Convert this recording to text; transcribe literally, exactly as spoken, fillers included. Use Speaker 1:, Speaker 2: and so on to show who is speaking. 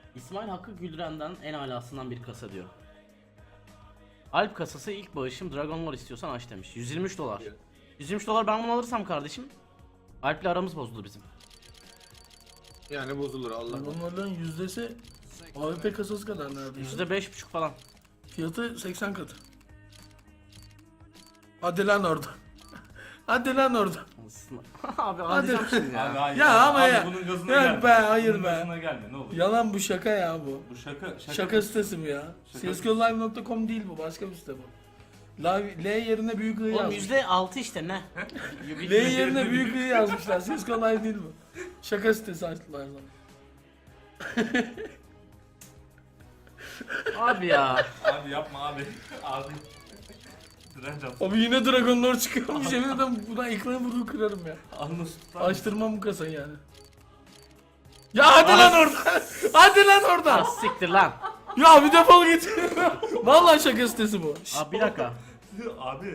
Speaker 1: İsmail Hakkı Güldüren'den en alasından bir kasa diyor. Alp kasası ilk bağışım, Dragon Lore istiyorsan aç demiş. yüz yirmi üç dolar. yüz yirmi üç dolar ben bunu alırsam kardeşim, Alp'le aramız bozulur bizim.
Speaker 2: Yani bozulur Allah.
Speaker 3: Bunların yüzdesi A W P kasası kadar neredeyse.
Speaker 1: yüzde beş buçuk falan.
Speaker 3: Fiyatı seksen katı. Hadi lan orada. Hadi lan orada.
Speaker 1: Abi
Speaker 3: Hadi.
Speaker 1: alacağım şimdi ya.
Speaker 4: Abi hayır.
Speaker 3: Ya ama
Speaker 4: abi
Speaker 3: ya.
Speaker 4: bunun gazına
Speaker 3: Yok
Speaker 4: gelme.
Speaker 3: be, hayır
Speaker 4: bunun
Speaker 3: be.
Speaker 4: gazına gelme ne olur.
Speaker 3: Yalan bu, şaka ya bu.
Speaker 4: Bu şaka şaka.
Speaker 3: Şaka sitesi mi ya?
Speaker 4: Şaka.
Speaker 3: C S G O live nokta com değil bu, başka bir site bu. L, L yerine büyük I
Speaker 1: Oğlum
Speaker 3: yazmışlar.
Speaker 1: yüzde altı işte ne?
Speaker 3: L yerine büyük I yazmışlar. C S G O live değil bu. Şaka sitesi açtılar zaman.
Speaker 1: Abi ya.
Speaker 4: Abi yapma abi. Abi. Direnç at.
Speaker 3: Abi yine Dragon Lore çıkıyormuş, yemin ederim buradan ekranı vurup kırarım ya.
Speaker 4: Anlasın.
Speaker 3: Açtırmam bu kasayı yani. Ya hadi lan oradan. Hadi lan
Speaker 1: Ah,
Speaker 3: oradan.
Speaker 1: siktir lan.
Speaker 3: Ya bir defol git. Vallahi şaka sitesi bu.
Speaker 1: Abi bir dakika.
Speaker 4: Abi.